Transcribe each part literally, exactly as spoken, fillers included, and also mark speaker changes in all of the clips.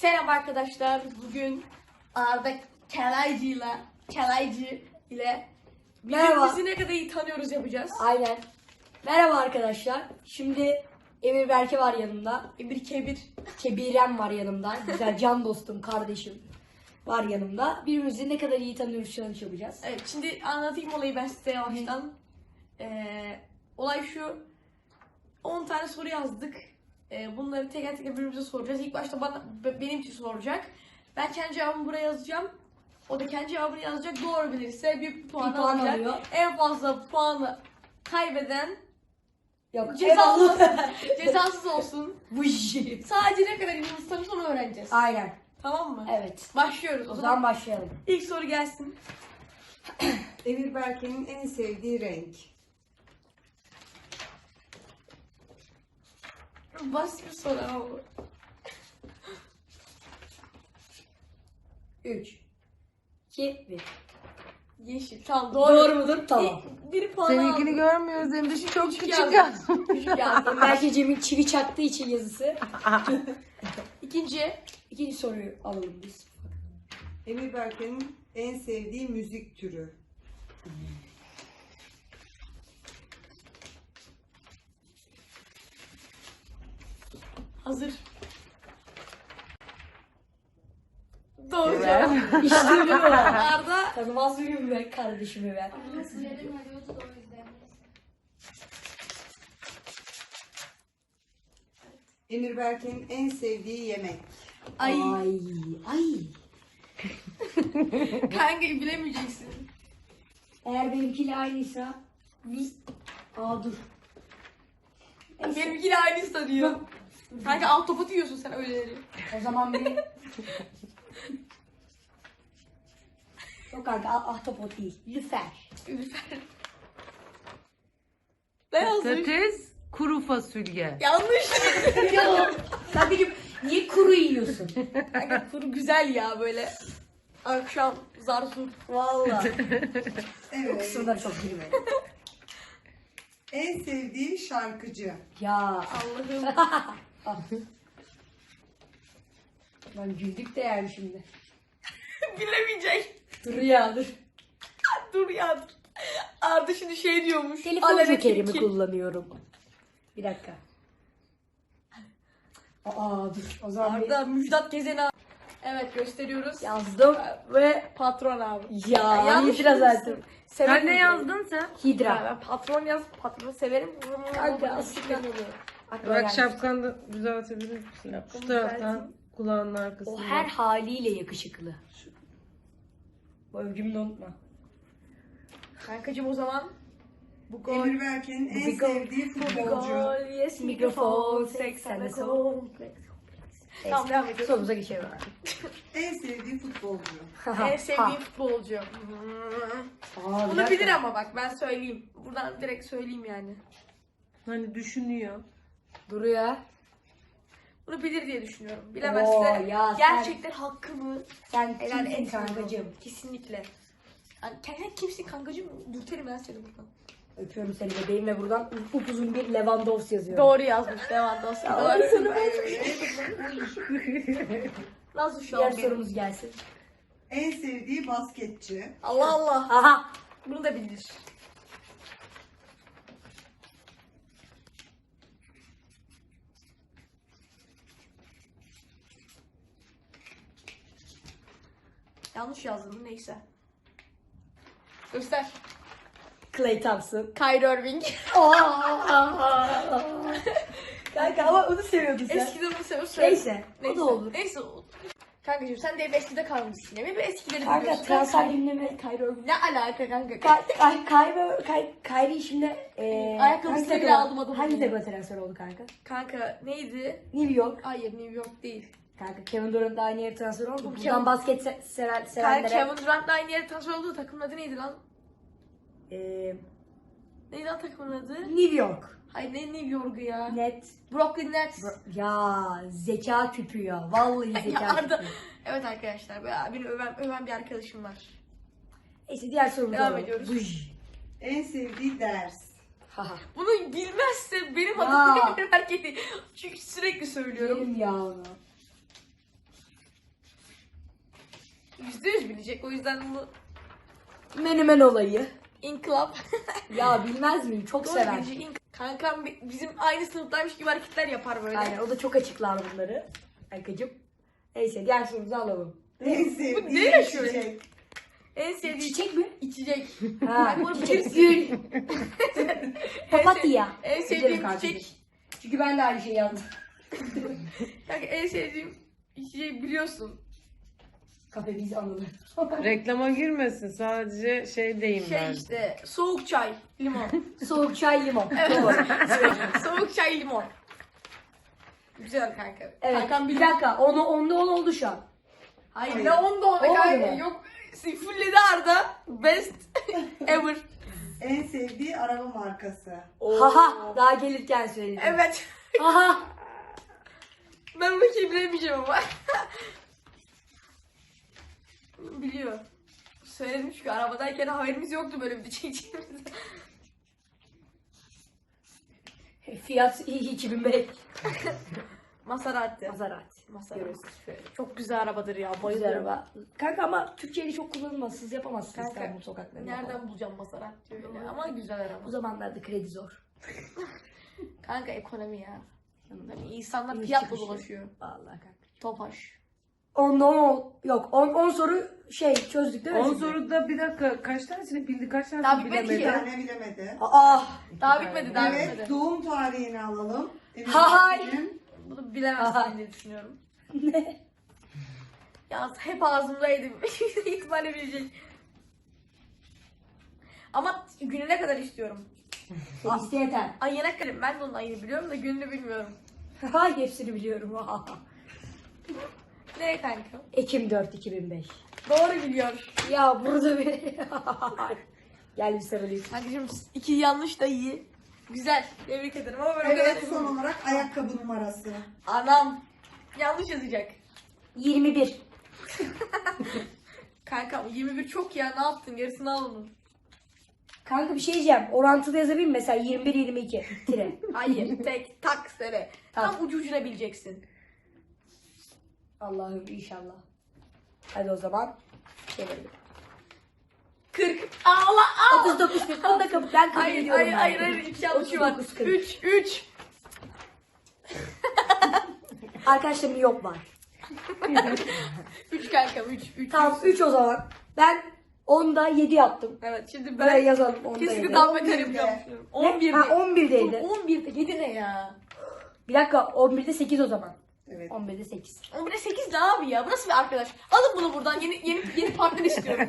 Speaker 1: Selam arkadaşlar. Bugün Arda Kelaycı ile Kelaycı ile
Speaker 2: Merhaba.
Speaker 1: birbirimizi ne kadar iyi tanıyoruz yapacağız.
Speaker 2: Aynen. Merhaba arkadaşlar. Şimdi Emir Berke var yanımda.
Speaker 1: Bir kebir.
Speaker 2: Kebirem var yanımda. Güzel can dostum, kardeşim var yanımda. Birbirimizi ne kadar iyi tanıyoruz challenge yapacağız.
Speaker 1: Evet, şimdi anlatayım olayı ben size yavaştan. Ee, olay şu. on tane soru yazdık. Ee, bunları teker teker birbirimize soracağız. İlk başta bana, benim için soracak. Ben kendi cevabımı buraya yazacağım. O da kendi cevabını yazacak. Doğru bilirse bir puan,
Speaker 2: Bir puan
Speaker 1: alacak.
Speaker 2: alıyor.
Speaker 1: En fazla puanı kaybeden
Speaker 2: Yok.
Speaker 1: cezasız olsun.
Speaker 2: eyvallah.
Speaker 1: Cezasız olsun.
Speaker 2: Bu işi.
Speaker 1: Sadece ne kadar iyi tanırız onu öğreneceğiz.
Speaker 2: Aynen.
Speaker 1: Tamam mı?
Speaker 2: Evet.
Speaker 1: Başlıyoruz.
Speaker 2: O zaman başlayalım.
Speaker 1: ilk soru gelsin.
Speaker 3: Emir Berke'nin en sevdiği renk.
Speaker 1: Basit bir soru ama bu.
Speaker 2: üç, iki, bir.
Speaker 1: Yeşil. Tamam doğru.
Speaker 2: Doğru mudur? Tamam.
Speaker 1: Bir, bir puan
Speaker 3: Seninkini
Speaker 1: aldım.
Speaker 3: görmüyoruz. Hem de şu çok
Speaker 1: Küçük
Speaker 3: küçük
Speaker 1: yazdım.
Speaker 3: yaz.
Speaker 1: Küçük yazdım.
Speaker 2: Berke Cem'in çivi çaktığı için yazısı.
Speaker 1: İkinci.
Speaker 2: İkinci soruyu alalım biz.
Speaker 3: Emir Berke'nin en sevdiği müzik türü.
Speaker 1: Hazır. Doğru
Speaker 3: Evet.
Speaker 1: cevap.
Speaker 2: İşte bu.
Speaker 1: Arda.
Speaker 2: Tanımaz mıyım ben kardeşimi ben?
Speaker 4: Söyledim hadi otur o yüzden.
Speaker 3: Emir Berke'nin en sevdiği yemek.
Speaker 1: Ay.
Speaker 2: Ay. Ay.
Speaker 1: Kanka bilemeyeceksin.
Speaker 2: Eğer benimkiyle aynıysa biz... Aa dur. Neyse.
Speaker 1: Benimkiyle aynı sanıyor. Kanka alt topu yiyorsun sen öyleleri.
Speaker 2: O zaman bir... Yok kanka ah- ahtapot değil. Lüfer.
Speaker 1: Lütfen. Ne yazmış?
Speaker 5: Patates, kuru fasulye.
Speaker 1: Yanlış.
Speaker 2: Ya sen benim niye kuru yiyorsun?
Speaker 1: Kanka kuru güzel ya böyle. Akşam zar zor.
Speaker 2: Valla. O
Speaker 3: Evet.
Speaker 2: kısımda çok girmedim.
Speaker 3: En sevdiği şarkıcı.
Speaker 2: Ya
Speaker 1: Allah'ım.
Speaker 2: lan güldük de yani şimdi.
Speaker 1: Bilemeyecek.
Speaker 2: Dur ya dur.
Speaker 1: Dur ya dur. Arda şimdi şey diyormuş.
Speaker 2: Telefon
Speaker 1: Alene
Speaker 2: jokerimi
Speaker 1: tilki.
Speaker 2: kullanıyorum. Bir dakika. Aa dur. O zaman bir
Speaker 1: Arda Müjdat Gezen abi. Evet gösteriyoruz.
Speaker 2: yazdım.
Speaker 1: Ve patron abi.
Speaker 2: Ya
Speaker 1: yanlış
Speaker 2: Hidra
Speaker 1: bilmişsin.
Speaker 2: zaten.
Speaker 1: Severim
Speaker 5: Sen ne
Speaker 1: Hidra'yı.
Speaker 5: yazdın sen?
Speaker 1: Ya
Speaker 2: Hidra.
Speaker 1: ben patron yaz, patronu severim.
Speaker 2: Kanka aslında. Aklıma
Speaker 5: Bak
Speaker 2: geldi.
Speaker 5: şapkanı da düzeltebilir misin? Şu
Speaker 1: Şapkamı
Speaker 5: taraftan
Speaker 1: düzelteyim.
Speaker 5: kulağının arkasında.
Speaker 2: O her haliyle yakışıklı. Bu övgümü de unutma.
Speaker 1: Kankacım o zaman bu gol.
Speaker 3: Emir Berke'nin en
Speaker 1: Bir gol.
Speaker 3: sevdiği
Speaker 1: Bu
Speaker 3: futbolcu.
Speaker 1: gol. Yes mikrofon. seksen kompleks. Tamam devam ediyoruz.
Speaker 2: Sorumuza geçelim.
Speaker 3: En sevdiği futbolcu.
Speaker 1: En sevdiğim futbolcu.
Speaker 2: Aa, bir
Speaker 1: Bunu
Speaker 2: dakika.
Speaker 1: bilir ama bak ben söyleyeyim. Buradan direkt söyleyeyim yani.
Speaker 5: Hani düşünüyor.
Speaker 2: Duruyor.
Speaker 1: Bunu bilir diye düşünüyorum.
Speaker 2: Oo,
Speaker 1: Bilemezse
Speaker 2: ya sen-
Speaker 1: gerçekten hakkımı
Speaker 2: Sen
Speaker 1: helal
Speaker 2: kimsin
Speaker 1: etmiyorum.
Speaker 2: kankacığım?
Speaker 1: Kesinlikle. Yani kendin kimsin kankacığım? Dürterim ben seni buradan.
Speaker 2: Öpüyorum seni bebeğim ve buradan upuzun bir Lewandowski yazıyorum.
Speaker 1: Doğru yazmış Lewandowski.
Speaker 2: Ya,
Speaker 1: Doğru.
Speaker 2: sana
Speaker 1: Nasıl şu
Speaker 2: Diğer
Speaker 1: an benim?
Speaker 2: sorumuz gelsin.
Speaker 3: En sevdiği basketçi.
Speaker 1: Allah Allah.
Speaker 2: Aha.
Speaker 1: Bunu da bilir. Yanlış yazdım neyse. Göster.
Speaker 2: Clay Thompson.
Speaker 1: Kyrie Irving.
Speaker 2: Kanka ama onu seviyordun sen.
Speaker 1: Eskiden onu seviyorum.
Speaker 2: Neyse, o da olur.
Speaker 1: Neyse o. Kankacığım sen de hep eskide kalmışsın ya. Hep eskileri
Speaker 2: Kanka
Speaker 1: biliyorsun.
Speaker 2: transfer
Speaker 1: Kyrie-
Speaker 2: gündemi.
Speaker 1: Kyrie Irving. Ne alaka kanka?
Speaker 2: Kay- Kay- Kyrie Kay- Kyrie şimdi e,
Speaker 1: Ayakkabısını
Speaker 2: hangi
Speaker 1: bile
Speaker 2: takıma-
Speaker 1: aldım adamın
Speaker 2: Hangi
Speaker 1: ya.
Speaker 2: takıma transfer oldu kanka?
Speaker 1: Kanka neydi?
Speaker 2: New York.
Speaker 1: Hayır New York değil.
Speaker 2: Kanka Kevin Durant da aynı yere transfer oldu.
Speaker 1: Bu
Speaker 2: Buradan
Speaker 1: Kevin-
Speaker 2: basket se- sever,
Speaker 1: Kanka
Speaker 2: sevenlere.
Speaker 1: Kevin Durant'la aynı yere transfer olduğu takımın adı neydi lan?
Speaker 2: E,
Speaker 1: Neydi lan takımın adı?
Speaker 2: New York.
Speaker 1: Hayır ne New York'u ya?
Speaker 2: Net.
Speaker 1: Brooklyn Nets.
Speaker 2: Ya zeka küpü ya. Vallahi zeka
Speaker 1: Ya Arda-
Speaker 2: küpü.
Speaker 1: Evet arkadaşlar böyle beni öven, öven bir arkadaşım var.
Speaker 2: Neyse diğer sorumuza
Speaker 1: Devam
Speaker 2: alalım.
Speaker 1: ediyoruz.
Speaker 2: Buj.
Speaker 3: En sevdiği ders.
Speaker 2: Haha.
Speaker 1: Bunu bilmezse benim
Speaker 2: Ya.
Speaker 1: adım Emir Berke değil. Çünkü sürekli söylüyorum.
Speaker 2: Yerim ya onu.
Speaker 1: yüzde yüz bilecek. O yüzden bu
Speaker 2: Menemen olayı.
Speaker 1: inkılap.
Speaker 2: Ya bilmez miyim? Çok
Speaker 1: Doğru
Speaker 2: sever.
Speaker 1: bilecek. İnk- Kankam bi- bizim aynı sınıftaymış gibi hareketler yapar böyle.
Speaker 2: Aynen o da çok açıklar bunları. Kankacığım. Neyse diğer sorumuzu alalım.
Speaker 3: En sevdiği
Speaker 1: ne yaşıyor?
Speaker 3: içecek.
Speaker 1: En sevdiği
Speaker 2: Çiçek mi?
Speaker 1: içecek.
Speaker 2: Ha,
Speaker 1: Bunu
Speaker 2: çiçek.
Speaker 1: bilirsin.
Speaker 2: Gül. Papatya.
Speaker 1: En sevdiğim
Speaker 2: Bilirim kankacığım.
Speaker 1: çiçek.
Speaker 2: Çünkü ben de aynı şeyi yazdım.
Speaker 1: Kanka en sevdiğim içeceği biliyorsun.
Speaker 2: Kafe biz anılır.
Speaker 5: Reklama girmesin. Sadece şey deyim
Speaker 1: Şey
Speaker 5: ben.
Speaker 1: işte soğuk çay, limon.
Speaker 2: Soğuk çay limon. Doğru.
Speaker 1: Soğuk çay, limon. Güzel kanka.
Speaker 2: Evet.
Speaker 1: Kankam
Speaker 2: Bir
Speaker 1: biliyor.
Speaker 2: dakika. Onu onda on oldu şu an.
Speaker 1: Hayır,
Speaker 3: Hayır.
Speaker 1: ne onda ona
Speaker 2: Olmadı
Speaker 1: kanka.
Speaker 2: mı?
Speaker 1: Yok. Fulledi Arda. Best ever.
Speaker 3: En sevdiği araba markası.
Speaker 2: Haha. Daha gelirken söyledim.
Speaker 1: Evet.
Speaker 2: Haha.
Speaker 1: Ben bakayım bilemeyeceğim ama. Biliyor. Söyledim çünkü arabadayken haberimiz yoktu böyle bir şey çekeceğimiz.
Speaker 2: Fiat iki bin beş.
Speaker 1: Maserati.
Speaker 2: Maserati.
Speaker 1: Maserati.
Speaker 2: Görüyorsunuz şöyle.
Speaker 1: Çok güzel arabadır ya.
Speaker 2: Güzel
Speaker 1: Bayılıyorum.
Speaker 2: araba. Kanka ama Türkiye'de çok kullanılmaz. Siz yapamazsınız
Speaker 1: Kanka,
Speaker 2: İstanbul sokaklarında.
Speaker 1: Nereden
Speaker 2: falan.
Speaker 1: bulacağım Maserati öyle ama güzel araba.
Speaker 2: Bu zamanlarda kredi zor.
Speaker 1: Kanka ekonomi ya. Tabii insanlar
Speaker 2: İniş
Speaker 1: fiyatla
Speaker 2: çıkışı.
Speaker 1: dolaşıyor.
Speaker 2: Vallahi kanka.
Speaker 1: Topaş.
Speaker 2: Onda on yok. on soru şey çözdük değil mi?
Speaker 5: on
Speaker 2: siz de?
Speaker 5: soruda bir dakika kaç tanesini bildi, kaç tanesini
Speaker 1: Daha bitmedi
Speaker 5: bilemedi?
Speaker 1: ki.
Speaker 3: Bir tane bilemedi.
Speaker 2: Aa.
Speaker 1: Daha
Speaker 5: tane.
Speaker 1: bitmedi, daha
Speaker 3: Evet,
Speaker 1: bitmedi.
Speaker 3: doğum tarihini alalım. Emir
Speaker 2: Hay.
Speaker 3: Berke'nin.
Speaker 1: Bunu bilemezsin
Speaker 2: Aha.
Speaker 1: diye düşünüyorum.
Speaker 2: Ne?
Speaker 1: Ya hep ağzımdaydı. İhtimalle bilecek. Ama gününe kadar istiyorum.
Speaker 2: İşte yeter.
Speaker 1: Ayına kadar. Ben de onun ayını biliyorum da gününü bilmiyorum.
Speaker 2: Hay hepsini biliyorum.
Speaker 1: Ne kanka?
Speaker 2: Ekim dört iki bin beş.
Speaker 1: Doğru biliyor.
Speaker 2: Ya burada bir... Gel bir sarılayım.
Speaker 1: Kankacığım iki yanlış da iyi. Güzel. Tebrik ederim ama ben o
Speaker 3: Evet,
Speaker 1: kadar...
Speaker 3: son olarak ayakkabı numarası.
Speaker 1: Anam. Yanlış yazacak.
Speaker 2: yirmi bir.
Speaker 1: Kanka yirmi bir çok ya, ne yaptın? Yarısını al onun.
Speaker 2: Kanka bir şey diyeceğim. Orantılı yazabilir miyim? Mesela yirmi bir yirmi iki. Tire.
Speaker 1: Hayır. Tek tak sene. Tam
Speaker 2: Tamam.
Speaker 1: ucu ucuna bileceksin.
Speaker 2: Allah'ım inşallah. Hadi o zaman. Çevirelim.
Speaker 1: kırk. Allah al.
Speaker 2: otuz dokuz kırk. Onu da kabul. Ben kabul
Speaker 1: Hayır
Speaker 2: ediyorum.
Speaker 1: hayır
Speaker 2: ben.
Speaker 1: hayır hayır. İki yanlışı var.
Speaker 2: otuz dokuz kırk.
Speaker 1: üç üç.
Speaker 2: Arkadaşlarım yok var.
Speaker 1: üç kanka üç üç.
Speaker 2: Tamam üç o zaman. Ben onda yedi yaptım.
Speaker 1: Evet şimdi
Speaker 2: Buraya
Speaker 1: ben
Speaker 2: yazalım. onda
Speaker 1: kesinlikle
Speaker 2: yedi.
Speaker 1: daha beter
Speaker 3: on birde.
Speaker 1: yapacağım.
Speaker 2: Ne?
Speaker 1: on birde.
Speaker 2: Ha on birdeydi.
Speaker 1: on birde yedi ne ya?
Speaker 2: Bir dakika on birde sekiz o zaman.
Speaker 3: Evet.
Speaker 2: on birde sekiz.
Speaker 1: on birde sekiz ne abi ya? Bu nasıl bir arkadaş? Alın bunu buradan. Yeni yeni yeni partner istiyorum.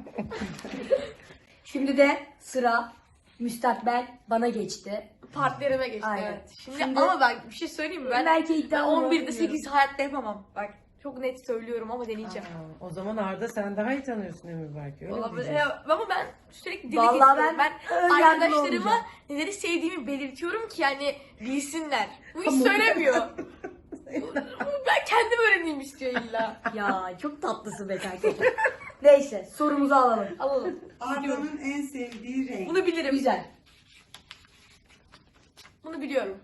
Speaker 2: Şimdi de sıra müstakbel bana geçti.
Speaker 1: Partnerime geçti
Speaker 2: Aynen.
Speaker 1: evet. Şimdi,
Speaker 2: Şimdi-
Speaker 1: ama ben bir şey söyleyeyim mi? Ben,
Speaker 2: Belki
Speaker 1: ben
Speaker 2: iddialı
Speaker 1: on birde
Speaker 2: bilmiyorum.
Speaker 1: sekiz hayatta yapamam. Bak çok net söylüyorum ama deneyeceğim.
Speaker 5: Aa, o zaman Arda sen daha iyi tanıyorsun Emir belki. Öyle
Speaker 1: Olabilir.
Speaker 5: diyeceğim.
Speaker 1: Ya, ama ben sürekli dili
Speaker 2: Vallahi
Speaker 1: getiriyorum.
Speaker 2: ben
Speaker 1: Ben,
Speaker 2: ön yargılı
Speaker 1: arkadaşlarıma
Speaker 2: olmayacağım.
Speaker 1: neleri sevdiğimi belirtiyorum ki yani bilsinler. Bu hiç söylemiyor. Ben kendim öğreneyim istiyor illa.
Speaker 2: Ya çok tatlısın be kanka. Neyse sorumuzu alalım.
Speaker 1: Alalım.
Speaker 3: Arda'nın en sevdiği renk.
Speaker 1: Bunu bilirim.
Speaker 2: Güzel.
Speaker 1: Bunu biliyorum.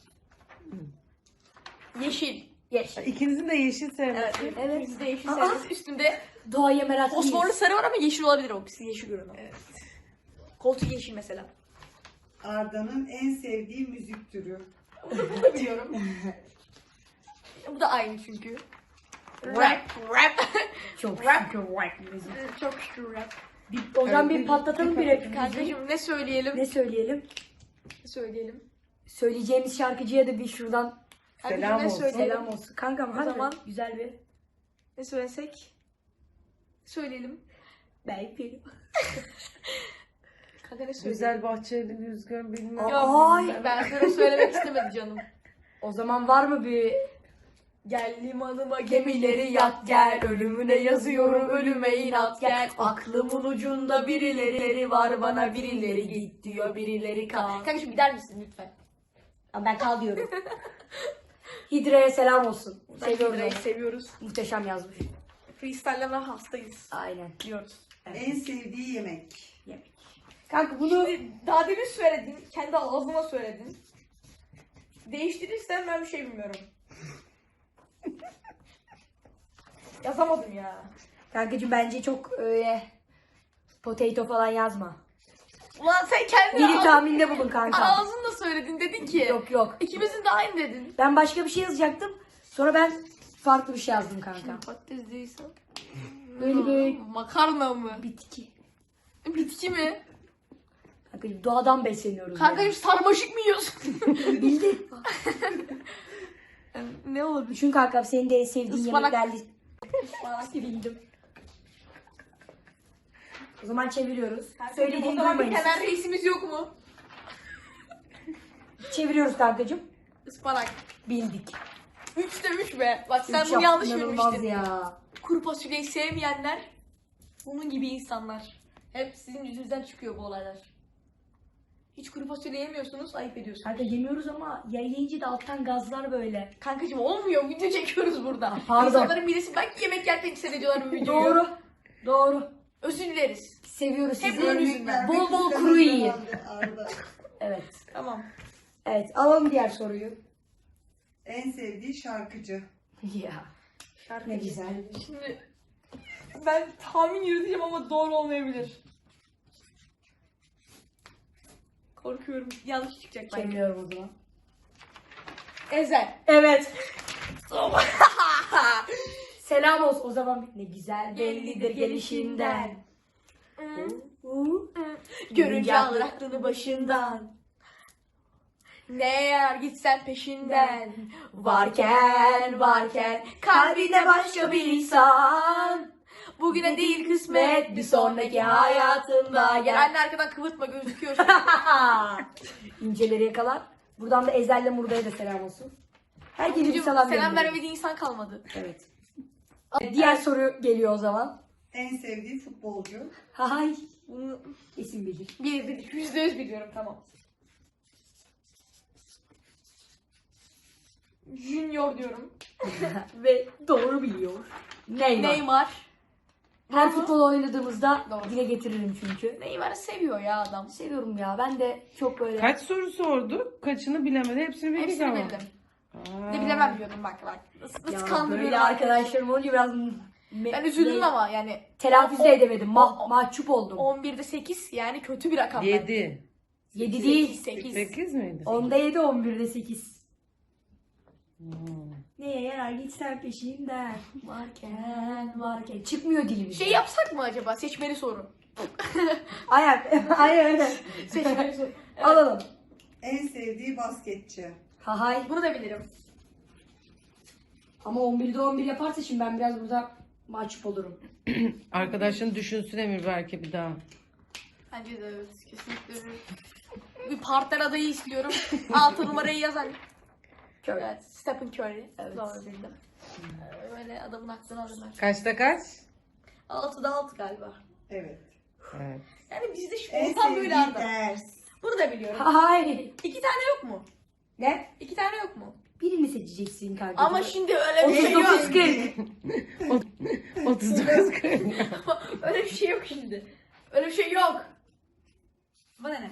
Speaker 1: Yeşil.
Speaker 2: Geç.
Speaker 5: İkinizin de yeşil sevmesi.
Speaker 1: Evet.
Speaker 2: Evet.
Speaker 1: Bizde yeşil
Speaker 2: Aa.
Speaker 1: sevmesi. Üstünde
Speaker 2: Doğaya meraklıyız.
Speaker 1: fosforlu sarı var ama yeşil olabilir o. Biz yeşil görün. Evet. Koltuk yeşil mesela.
Speaker 3: Arda'nın en sevdiği müzik türü.
Speaker 1: Bunu da biliyorum. Bu da aynı çünkü. Rap, rap.
Speaker 2: Çok
Speaker 1: Rap.
Speaker 2: şükür rap müzik.
Speaker 1: Çok şükür rap.
Speaker 2: Bir, o zaman bir patlatalım bir rap müziği.
Speaker 1: Kankacığım ne söyleyelim?
Speaker 2: Ne söyleyelim?
Speaker 1: Ne söyleyelim?
Speaker 2: Söyleyeceğimiz şarkıcıya da bir şuradan
Speaker 1: Kankacığım
Speaker 5: Selam
Speaker 1: ne
Speaker 5: olsun.
Speaker 1: söyleyelim?
Speaker 2: selam olsun. Kankam
Speaker 1: O
Speaker 2: hadi
Speaker 1: zaman-
Speaker 2: güzel bir
Speaker 1: Ne söylesek? Söyleyelim.
Speaker 2: belki.
Speaker 1: Kanka ne söyleyelim?
Speaker 5: Güzel bahçeli rüzgar bilmem.
Speaker 2: Aa.
Speaker 1: Yok,
Speaker 2: Ay.
Speaker 1: ben sana söylemek istemedi canım.
Speaker 2: O zaman var mı bir
Speaker 1: Gel limanıma gemileri yak gel, ölümüne yazıyorum ölüme inat gel. Aklımın ucunda birileri var, bana birileri git diyor, birileri kal. Kanka şimdi gider misin lütfen?
Speaker 2: Aa, ben kal diyorum. Hidre'ye selam olsun. Seviyoruz
Speaker 1: Hidra'yı
Speaker 2: onu.
Speaker 1: seviyoruz.
Speaker 2: Muhteşem yazmış.
Speaker 1: Freestyle'leme hastayız.
Speaker 2: Aynen.
Speaker 1: Diyoruz.
Speaker 3: En sevdiği yemek.
Speaker 2: Yemek. Kanka bunu
Speaker 1: Şimdi daha demin söyledin, kendi ağzıma söyledin. Değiştirirsen ben bir şey bilmiyorum. Yazamadım ya.
Speaker 2: Kankacığım bence çok öyle potato falan yazma.
Speaker 1: Ulan sen kendin
Speaker 2: Bir tahminde bulun kanka.
Speaker 1: ağzınla söyledin, dedin ki.
Speaker 2: Yok yok.
Speaker 1: İkimizin de aynı dedin.
Speaker 2: Ben başka bir şey yazacaktım. Sonra ben farklı bir şey yazdım kanka.
Speaker 1: Patates değilse.
Speaker 2: Böyle böyle
Speaker 1: Makarna mı?
Speaker 2: bitki.
Speaker 1: Bitki mi?
Speaker 2: Kankacığım doğadan besleniyoruz.
Speaker 1: Kankacığım sarmaşık mı yiyorsun?
Speaker 2: yani. Bildin.
Speaker 1: Ne olabilir?
Speaker 2: Düşün kankam senin de en sevdiğin
Speaker 1: Ispanak.
Speaker 2: yemekler listesi. Bildim. O zaman çeviriyoruz. Söylediğini
Speaker 1: O zaman bir
Speaker 2: duymayın.
Speaker 1: kenar reisimiz yok mu?
Speaker 2: Çeviriyoruz kankacığım.
Speaker 1: Ispanak.
Speaker 2: Bildik.
Speaker 1: Üçte üç be. Bak sen
Speaker 2: Üç
Speaker 1: bunu
Speaker 2: yap-
Speaker 1: yanlış
Speaker 2: inanılmaz
Speaker 1: bilmiştin.
Speaker 2: ya.
Speaker 1: Kuru fasulyeyi sevmeyenler bunun gibi insanlar. Hep sizin yüzünüzden çıkıyor bu olaylar. Hiç kuru fasulye yemiyorsunuz, ayıp ediyorsunuz.
Speaker 2: Kanka yemiyoruz ama yayınca da alttan gazlar böyle.
Speaker 1: Kankacığım olmuyor, video çekiyoruz burada.
Speaker 2: Pardon.
Speaker 1: İnsanların midesi belki yemek yerken hissediyorlar bu videoyu.
Speaker 2: Doğru. Doğru.
Speaker 1: Özür dileriz.
Speaker 2: Seviyoruz
Speaker 1: Hep
Speaker 2: sizi.
Speaker 1: onun yüzünden.
Speaker 2: Bol bol kuru yiyin.
Speaker 3: Arada.
Speaker 2: Evet.
Speaker 1: Tamam.
Speaker 2: Evet alalım diğer soruyu.
Speaker 3: En sevdiği şarkıcı.
Speaker 2: Ya
Speaker 1: Şarkı.
Speaker 2: ne güzel.
Speaker 1: Şimdi ben tahmin yürüteceğim ama doğru olmayabilir. Korkuyorum. Yanlış çıkacak belki.
Speaker 2: Çeviriyorum o zaman.
Speaker 1: Ezel.
Speaker 2: Evet. Selam olsun o zaman. Ne güzel bellidir gelişinden. Uu.
Speaker 1: Görünce alır aklını başından. Ne yarar gitsen peşinden. Varken varken kalbinde başka bir insan. Bugüne değil kısmet bir sonraki hayatında. Gel anne arkadan kıvırtma gözüküyor şu an.
Speaker 2: İnceleri yakalar. Buradan da Ezel'le Murda'ya da selam olsun. Herkese bir selam
Speaker 1: Selam
Speaker 2: gönderiyorum.
Speaker 1: vermediği insan kalmadı.
Speaker 2: Evet. Diğer soru geliyor o zaman.
Speaker 3: En sevdiği futbolcu.
Speaker 2: Hay.
Speaker 1: Bunu
Speaker 2: İsim bilir.
Speaker 1: bir, bir, yüzde yüz biliyorum tamam. Junior diyorum.
Speaker 2: Ve doğru biliyor. Neymar.
Speaker 1: Neymar.
Speaker 2: Her futbol oynadığımızda
Speaker 1: Doğru.
Speaker 2: dile getiririm çünkü.
Speaker 1: Neymar'ı seviyor ya adam.
Speaker 2: Seviyorum ya. Ben de çok böyle...
Speaker 5: Kaç soru sorduk? Kaçını bilemedi? Hepsini bildik
Speaker 1: Hepsini
Speaker 5: ama.
Speaker 1: bildim.
Speaker 5: Aa.
Speaker 1: Ne bilemem diyordum bak bak. Nasıl, nasıl
Speaker 2: Ya
Speaker 1: kandırıyorum
Speaker 2: böyle arkadaşlarım olunca biraz... me-
Speaker 1: Ben üzüldüm
Speaker 2: ne-
Speaker 1: ama yani.
Speaker 2: Telaffuz
Speaker 1: O-
Speaker 2: da edemedim. Ma-
Speaker 1: o-
Speaker 2: mahcup oldum.
Speaker 1: on birde sekiz yani kötü bir rakam bence.
Speaker 5: Yedi.
Speaker 2: yedi değil.
Speaker 1: sekiz.
Speaker 5: Sekiz miydi?
Speaker 2: Onda yedi, on birde sekiz.
Speaker 5: Hmm.
Speaker 2: Neye yarar gitsen peşinden. Varken varken. Çıkmıyor dilimizden.
Speaker 1: Şey yapsak mı acaba? Seçmeli soru.
Speaker 2: Ayak. Aynen.
Speaker 1: Seçmeli soru. Evet.
Speaker 2: Alalım.
Speaker 3: En sevdiği basketçi.
Speaker 2: Ha hay.
Speaker 1: Bunu da bilirim.
Speaker 2: Ama on birde on bir yaparsa şimdi ben biraz burada mahcup olurum.
Speaker 5: Arkadaşın düşünsün Emir belki bir daha.
Speaker 1: Bence de evet. Kesinlikle bir, bir partner adayı istiyorum. Altı numarayı yazan.
Speaker 2: Curry.
Speaker 1: Evet. Stephen Curry.
Speaker 2: Evet.
Speaker 1: Doğru bildim. Ee, Böyle adamın aklını alırlar.
Speaker 5: Kaçta kaç?
Speaker 1: altıda altı galiba.
Speaker 3: Evet.
Speaker 5: Evet.
Speaker 1: Yani bizde şu
Speaker 3: En
Speaker 1: ortam
Speaker 3: sevdiği
Speaker 1: böyle arada.
Speaker 3: ders.
Speaker 1: Bunu da biliyorum.
Speaker 2: Ha hay.
Speaker 1: İki tane yok mu?
Speaker 2: Ne?
Speaker 1: İki tane yok mu?
Speaker 2: Birini seçeceksin kanka.
Speaker 1: Ama şimdi öyle bir şey yok.
Speaker 2: otuz dokuz kırk.
Speaker 5: otuz dokuz kırk.
Speaker 1: Öyle bir şey yok şimdi. Öyle bir şey yok. Bana ne?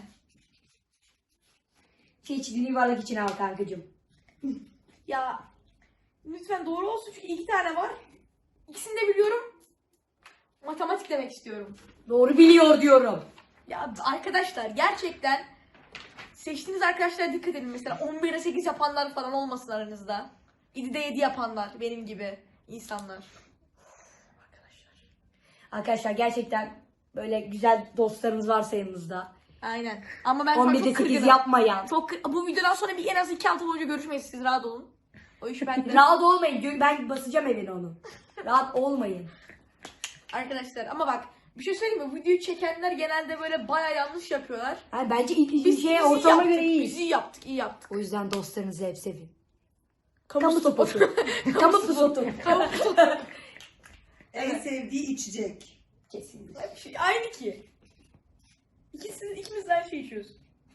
Speaker 2: Seçtiğini yuvarlak içine al kankacığım.
Speaker 1: Ya lütfen doğru olsun çünkü iki tane var. İkisini de biliyorum. Matematik demek istiyorum.
Speaker 2: Doğru biliyor diyorum.
Speaker 1: Ya arkadaşlar gerçekten seçtiğiniz arkadaşlara dikkat edin. Mesela on birde sekiz yapanlar falan olmasın aranızda. yedide yedi yapanlar benim gibi insanlar. Arkadaşlar.
Speaker 2: Arkadaşlar gerçekten böyle güzel dostlarımız varsa yanınızda.
Speaker 1: Aynen. Ama ben şu an
Speaker 2: on birde
Speaker 1: çok
Speaker 2: sekiz
Speaker 1: kırgınım.
Speaker 2: yapmayan.
Speaker 1: Çok kır- Bu videodan sonra bir en az iki hafta boyunca görüşmeyiz. Siz rahat olun. O iş bende.
Speaker 2: Rahat olmayın. Gö- Ben basacağım evine onu. Rahat olmayın.
Speaker 1: Arkadaşlar ama bak bir şey söyleyeyim mi? Videoyu çekenler genelde böyle baya yanlış yapıyorlar.
Speaker 2: Yani bence ilk
Speaker 1: Biz,
Speaker 2: bir şeye
Speaker 1: biz iyi
Speaker 2: ortalama
Speaker 1: yaptık,
Speaker 2: göre iyi.
Speaker 1: Biz iyi yaptık, iyi yaptık.
Speaker 2: O yüzden dostlarınızı hep sevin.
Speaker 1: Kamu,
Speaker 2: Kamu
Speaker 1: spotu.
Speaker 2: spotu. Kamu spotu.
Speaker 1: Kamu spotu.
Speaker 3: En sevdiği içecek.
Speaker 2: Kesinlikle.
Speaker 1: Hep şey, aynı ki. İkisi, ikimiz de her şeyi içiyoruz.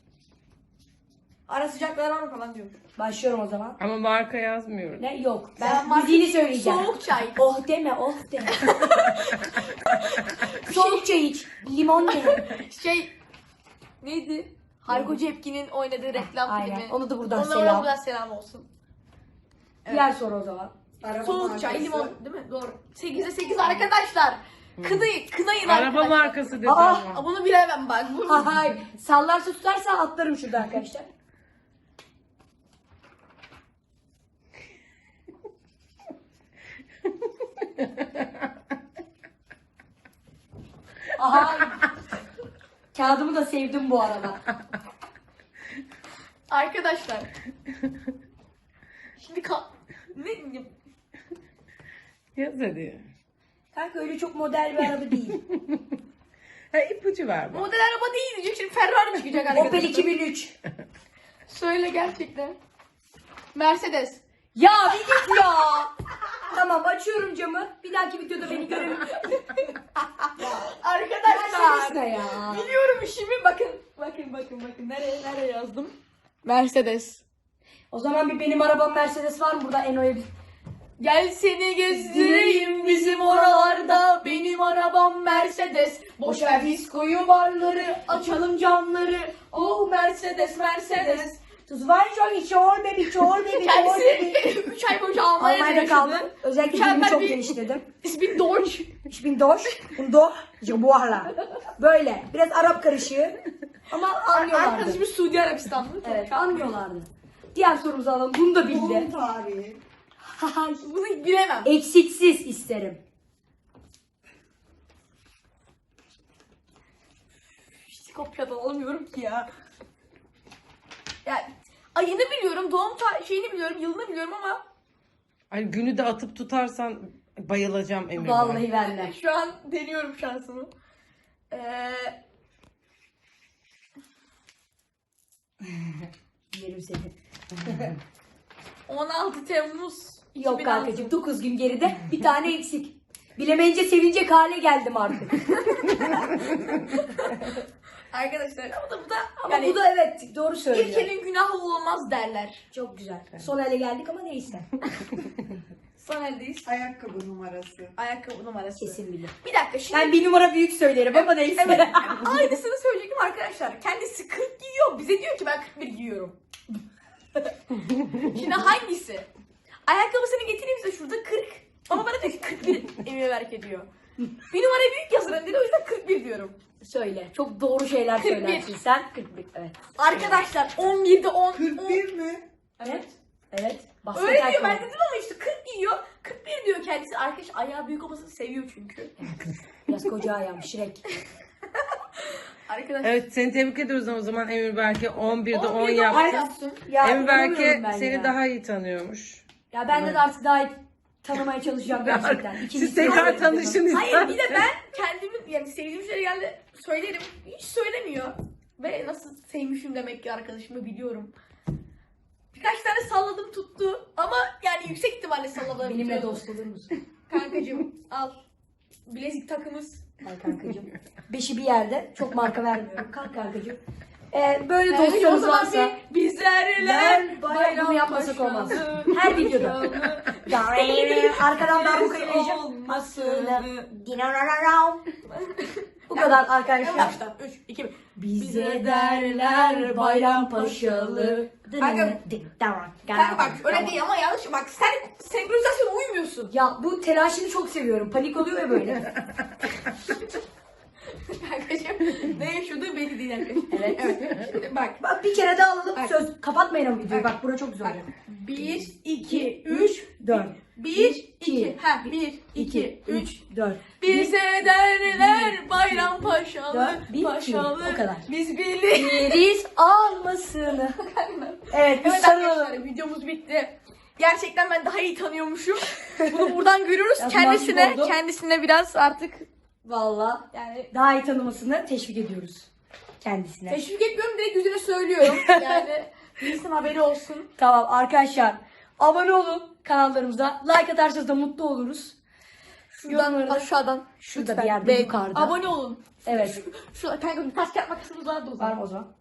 Speaker 1: Ara sıcaklar var mı falan diyormuş.
Speaker 2: Başlıyorum o zaman.
Speaker 5: Ama marka yazmıyorum.
Speaker 2: Ne? Yok.
Speaker 1: Ben
Speaker 2: Ben
Speaker 1: marka-
Speaker 2: müziğini söyleyeceğim.
Speaker 1: Soğuk çay.
Speaker 2: Oh deme, oh deme. Soğuk çay iç. Limon deme.
Speaker 1: Şey neydi? Hayko Cepkin'in oynadığı reklam
Speaker 2: Aynen.
Speaker 1: filmi.
Speaker 2: Onu da buradan
Speaker 1: Ona
Speaker 2: selam.
Speaker 1: buradan selam olsun. Evet.
Speaker 2: Diğer soru o zaman.
Speaker 3: Araba
Speaker 1: Soğuk çay,
Speaker 3: markası.
Speaker 1: limon değil mi? Doğru. sekizde sekiz arkadaşlar. Kınayın, kınayın
Speaker 5: Araba
Speaker 1: arkadaşlar.
Speaker 5: markası dedi
Speaker 2: Aa,
Speaker 5: ama.
Speaker 1: Aa, bunu bilemem bak. Bu...
Speaker 2: Hay sallarsa tutarsa atlarım şurada arkadaşlar. Aha. Kağıdımı da sevdim bu arada.
Speaker 1: Arkadaşlar. Şimdi ka... Ne?
Speaker 5: Yaz hadi.
Speaker 2: Kanka öyle çok model bir araba değil.
Speaker 5: Ha, ipucu ver bana.
Speaker 1: Model araba değil diyecek. Şimdi Ferrari çıkacak arkadaşlar.
Speaker 2: Opel iki bin üç.
Speaker 1: Söyle gerçekten. Mercedes.
Speaker 2: Ya bir git ya. Tamam açıyorum camı. Bir dahaki videoda beni görün.
Speaker 1: Arkadaşlar.
Speaker 2: Mercedes ne ya?
Speaker 1: Biliyorum işimi. Bakın. Bakın bakın bakın. Nereye nereye yazdım? Mercedes.
Speaker 2: O zaman bir benim arabam Mercedes var mı burada Eno'ya bir...
Speaker 1: Gel seni gezdireyim bizim oralarda. Benim arabam Mercedes. Boş ver diskoyu barları. Açalım camları. Oh Mercedes Mercedes.
Speaker 2: Das war schon ich hol baby, hol baby, hol baby.
Speaker 1: Kendisi üç ay boyunca Almanya'da
Speaker 2: Almanya'da kaldım.
Speaker 1: yaşadı.
Speaker 2: Özellikle
Speaker 1: Mükemmel
Speaker 2: dilimi çok
Speaker 1: bir-
Speaker 2: geliştirdim.
Speaker 1: İsmi Deutsch.
Speaker 2: Ich bin Deutsch und doch Jabuarla. Böyle. Biraz Arap karışığı. Ama anlıyorlardı.
Speaker 1: Arkadaşımız Suudi Arabistanlı.
Speaker 2: Evet anlıyorlardı. Diğer sorumuzu alalım. Bunu da
Speaker 3: Doğum
Speaker 2: bildi.
Speaker 3: tarihi.
Speaker 1: Bunu bilemem.
Speaker 2: Eksiksiz isterim.
Speaker 1: Hiç kopyadan alamıyorum ki ya. Ya ayını biliyorum, doğum ta- şeyini biliyorum, yılını biliyorum ama
Speaker 5: Ay, günü de atıp tutarsan bayılacağım Emir.
Speaker 2: Vallahi ben de.
Speaker 1: şu an deniyorum şansımı. Ee,
Speaker 2: Yerim seni.
Speaker 1: on altı Temmuz
Speaker 2: Yok
Speaker 1: iki bin altı.
Speaker 2: kankacığım dokuz gün geride bir tane eksik. Bilemeyince sevinecek hale geldim artık.
Speaker 1: Arkadaşlar ama da bu da
Speaker 2: Ama
Speaker 1: yani
Speaker 2: bu da evet doğru söylüyor.
Speaker 1: ilk elin günahı olmaz derler.
Speaker 2: Çok güzel. Son ele geldik ama neyse.
Speaker 1: Son eldeyiz.
Speaker 3: Ayakkabı numarası.
Speaker 1: Ayakkabı numarası.
Speaker 2: Kesin bilir.
Speaker 1: Bir dakika şimdi.
Speaker 2: Ben bir numara büyük söylerim ama neyse.
Speaker 1: Evet. Aynısını söyleyecektim arkadaşlar. Kendisi kırk giyiyor. Bize diyor ki ben kırk bir giyiyorum. Şimdi hangisi? Ayakkabısını getireyim size şurada kırk. Ama bana diyor ki kırk bir Emine Berk ediyor. Bir numara büyük yazarım dedi o yüzden kırk bir diyorum.
Speaker 2: Söyle. Çok doğru şeyler
Speaker 1: kırk bir.
Speaker 2: söylersin sen. kırk bir. Evet.
Speaker 1: Arkadaşlar on birde on.
Speaker 3: kırk bir mi?
Speaker 2: Evet. Evet. Basket
Speaker 1: Öyle diyor
Speaker 2: ayakkabı.
Speaker 1: ben dedim ama işte kırk giyiyor. kırk bir diyor kendisi. Arkadaş ayağı büyük olmasını seviyor çünkü.
Speaker 2: Biraz koca ayağım şirek.
Speaker 1: Arkadaşlar.
Speaker 5: Evet, seni tebrik ediyoruz o zaman Emir belki on birde on
Speaker 1: on birde on
Speaker 5: yaptı.
Speaker 1: yaptın.
Speaker 2: Ya,
Speaker 5: Emir belki
Speaker 2: inanamıyorum ben
Speaker 5: seni
Speaker 2: ya.
Speaker 5: daha iyi tanıyormuş.
Speaker 2: Ya ben de, de artık daha iyi tanımaya çalışacağım gerçekten.
Speaker 5: Siz
Speaker 2: İkincisi
Speaker 5: tekrar
Speaker 2: yok.
Speaker 5: tanışın
Speaker 1: Hayır bir de ben kendimin yani sevdiğim şeyleri geldi söylerim. Hiç söylemiyor. Ve nasıl sevmişim demek ki arkadaşımı biliyorum. Birkaç tane salladım tuttu ama yani yüksek ihtimalle salladım.
Speaker 2: Benimle dost olur musun?
Speaker 1: Kankacığım al. Bilezik takımız.
Speaker 2: Ay kankacığım. Beşi bir yerde. Çok marka vermiyorum. Kalk kankacığım. Ee, böyle
Speaker 1: Yani o
Speaker 2: dostlarımız
Speaker 1: zaman
Speaker 2: varsa
Speaker 1: bir bizlerle
Speaker 2: Ben
Speaker 1: bayram,
Speaker 2: bayram bunu yapmasak olmaz.
Speaker 1: paşalı,
Speaker 2: Her videoda.
Speaker 1: paşalı,
Speaker 2: Arkadan darbuka geleceğim.
Speaker 1: olmasın.
Speaker 2: Bu kadar
Speaker 1: En
Speaker 2: arkadaşlar.
Speaker 1: baştan üç, iki, bir.
Speaker 2: Bize derler Bayrampaşalı.
Speaker 1: Kanka, Kanka bak öyle değil ama yanlış. Bak sen senkronizasyona uymuyorsun.
Speaker 2: Ya bu telaşını çok seviyorum. Panik oluyor ya böyle.
Speaker 1: Kankacığım ne yaşadığı belli değil arkadaşlar.
Speaker 2: Evet.
Speaker 1: Evet. Şimdi bak.
Speaker 2: Bak bir kere daha alalım.
Speaker 1: Bak.
Speaker 2: Söz kapatmayın o videoyu. Bak bura çok güzel
Speaker 1: Bak.
Speaker 2: olacak.
Speaker 1: Bir, iki, üç,
Speaker 2: dört.
Speaker 1: bir, iki.
Speaker 2: iki.
Speaker 1: Ha, bir, iki, üç.
Speaker 2: dört.
Speaker 1: Bize derler bayram paşalı,
Speaker 2: Dört, bir,
Speaker 1: paşalı.
Speaker 2: iki. O kadar.
Speaker 1: Biz birlik.
Speaker 2: Biriz almasını. Evet biz
Speaker 1: Evet
Speaker 2: sarılalım.
Speaker 1: arkadaşlar videomuz bitti. Gerçekten ben daha iyi tanıyormuşum. Bunu buradan görüyoruz.
Speaker 2: Biraz
Speaker 1: Kendisine,
Speaker 2: mahcup oldum.
Speaker 1: kendisine biraz artık
Speaker 2: Valla
Speaker 1: yani
Speaker 2: daha iyi tanımasını teşvik ediyoruz kendisine.
Speaker 1: teşvik etmiyorum direkt yüzüne söylüyorum. Yani bilsin haberi olsun.
Speaker 2: Tamam arkadaşlar abone olun kanallarımıza. Like atarsanız da mutlu oluruz.
Speaker 1: Şuradan
Speaker 2: Yorumları da-
Speaker 1: aşağıdan.
Speaker 2: Şurada
Speaker 1: lütfen
Speaker 2: bir yerde
Speaker 1: beğen-
Speaker 2: yukarıda.
Speaker 1: Abone olun.
Speaker 2: Evet.
Speaker 1: Şu, şu kanka taş kağıt makasımız vardı o
Speaker 2: Var
Speaker 1: zaman.
Speaker 2: mı o zaman?